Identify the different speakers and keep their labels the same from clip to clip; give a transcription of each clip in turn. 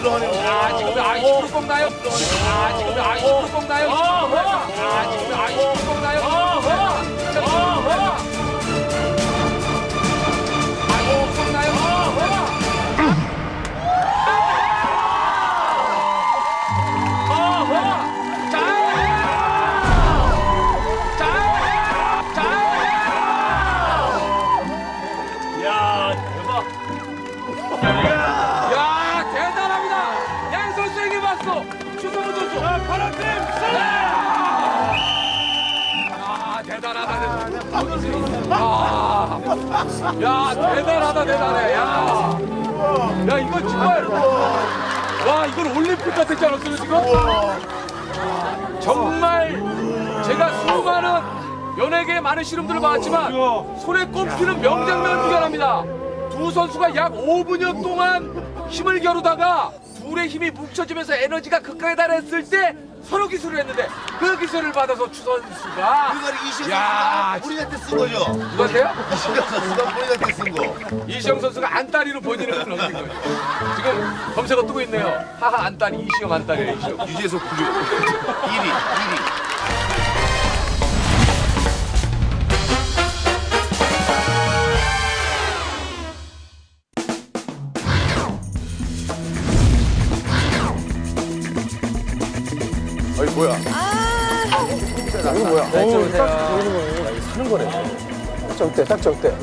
Speaker 1: 지금 아이스크림 꺾나요? 지금 아이스크림 꺾나요? 지금 아이스크림 꺾나요? 야, 대단하다, 대단해. 야, 이거 정말. 와, 이걸 올림픽 같았지 않았어요, 지금? 정말 제가 수많은 연예계의 많은 실험들을 봤지만 손에 꼽히는 명장면 구경합니다. 두 선수가 약 5분여 동안 힘을 겨루다가 둘의 힘이 뭉쳐지면서 에너지가 극강에 달했을 때 서로 기술을 했는데 그 기술을 받아서 추 선수가
Speaker 2: 그걸 이시영 선수가 본인한테 쓴 거죠?
Speaker 1: 누구한테요?
Speaker 2: 이시영 선수가 본인한테 쓴 거.
Speaker 1: 이시영 선수가 안다리로 본인을 넘긴 거죠. 지금 검색어 뜨고 있네요. 하하 안다리 이시영 안다리 이시영.
Speaker 2: 유재석 9위. 1위.
Speaker 1: 어이 뭐야?
Speaker 3: 이거 뭐야?
Speaker 4: 네, 들어오세요.
Speaker 3: 사는 거네. 딱 어때?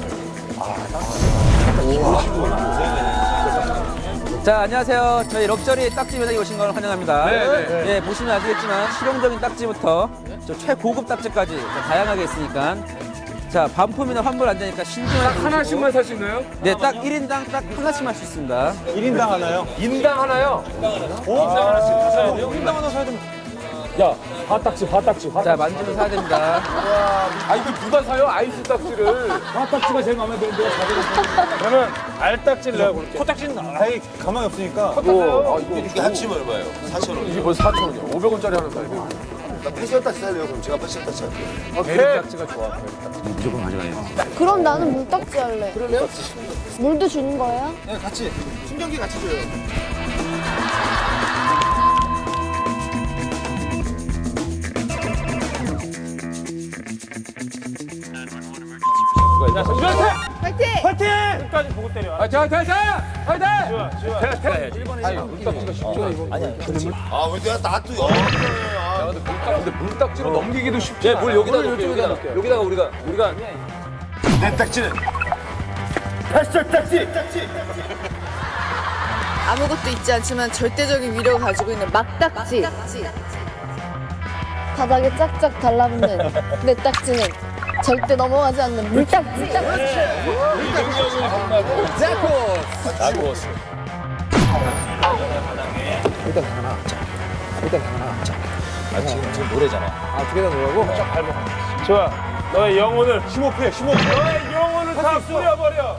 Speaker 4: 자, 안녕하세요. 저희 럭셔리 딱지 매장에 오신 걸 환영합니다.
Speaker 1: 네.
Speaker 4: 예, 보시면 아시겠지만 실용적인 딱지부터 저 최고급 딱지까지 다양하게 있으니까 자, 반품이나 환불 안 되니까 신중하게
Speaker 1: 딱 하나씩만 살 수 있나요?
Speaker 4: 네, 딱 1인당 딱 하나씩 할 수 있습니다.
Speaker 3: 1인당 하나요?
Speaker 1: 인당 하나요?
Speaker 3: 인당 하나씩 다 사야 돼요? 인당 하나 사야 되면. 야, 화딱지.
Speaker 4: 자, 만지면 사야 됩니다.
Speaker 1: 아 이거 누가 사요? 아이스 딱지를.
Speaker 3: 화딱지가 제일 마음에 드는데 사야 저는 알딱지를 내가 고를게요. 코딱지는 아예 가망이 없으니까.
Speaker 2: 이게 합치면 얼마예요? 4,000원.
Speaker 1: 이게 벌써 4,000원이야. 500원짜리 하나 사야 돼.
Speaker 2: 나 패션 딱지 살래요? 그럼 제가 패션 딱지 할게요.
Speaker 1: 대립
Speaker 4: 딱지가 좋아.
Speaker 5: 그럼 나는 물딱지 할래.
Speaker 2: 그러면?
Speaker 5: 물도 주는 거예요?
Speaker 2: 네, 같이. 충전기 같이 줘요.
Speaker 5: 파이팅!
Speaker 3: 파이팅! 끝까지 보고 때려.
Speaker 1: 아, 자, 화이팅!
Speaker 3: 지우야.
Speaker 2: 아, 왜 내가 놔둬요?
Speaker 1: 근데 물딱지로 넘기기도 쉽지 않아.
Speaker 4: 물 여기다 놓을게요. 여기다가 우리가
Speaker 2: 내 딱지는 패션 딱지!
Speaker 6: 아무것도 있지 않지만 절대적인 위력을 가지고 있는 막딱지.
Speaker 5: 바닥에 짝짝 달라붙는 내 딱지는 절대 넘어가지 않는 물딱지.
Speaker 3: 좋아. 너의 영혼을 심호흡해. 너의 영혼을 다 뿌려버려.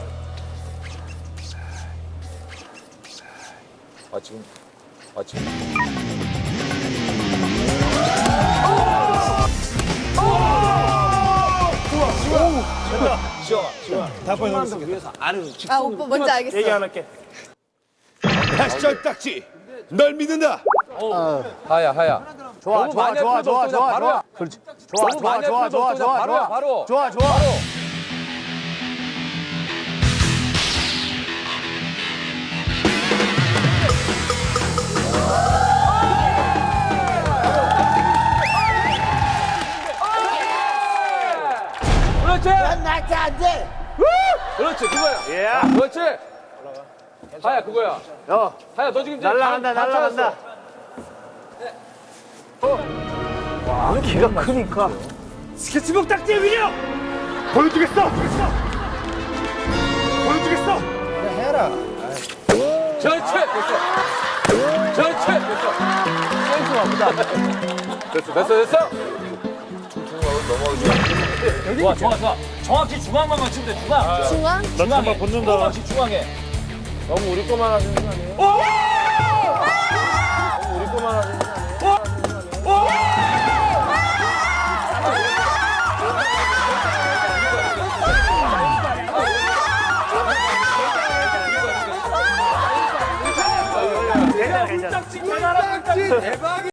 Speaker 6: 아 오빠 뭔지 알겠어.
Speaker 3: 얘기 안 할게.
Speaker 2: 패션 딱지! 널 믿는다!
Speaker 1: 하야.
Speaker 3: 좋아.
Speaker 1: 바로. 그렇지.
Speaker 2: 나한테 안 돼!
Speaker 1: 그렇지, 그거야.
Speaker 3: 예.
Speaker 1: 그렇지. 하야, 그거야. 하야, 너 지금 이제
Speaker 3: 날라간다. 기가 크니까. 스케치북 딱지의 위력! 보여주겠어!
Speaker 1: 그렇지, 됐어.
Speaker 4: 좋아. 정확히 중앙만 맞추면 돼. 중앙.
Speaker 5: 중앙?
Speaker 3: 중앙에 붙는다.
Speaker 4: 정확히 중앙에.
Speaker 1: 너무 우리 거만 하시는 거 아니에요? 너무 우리 거만 하시는 거 아니에요?
Speaker 3: 내가 괜찮아.
Speaker 1: 꿀딱지 대박이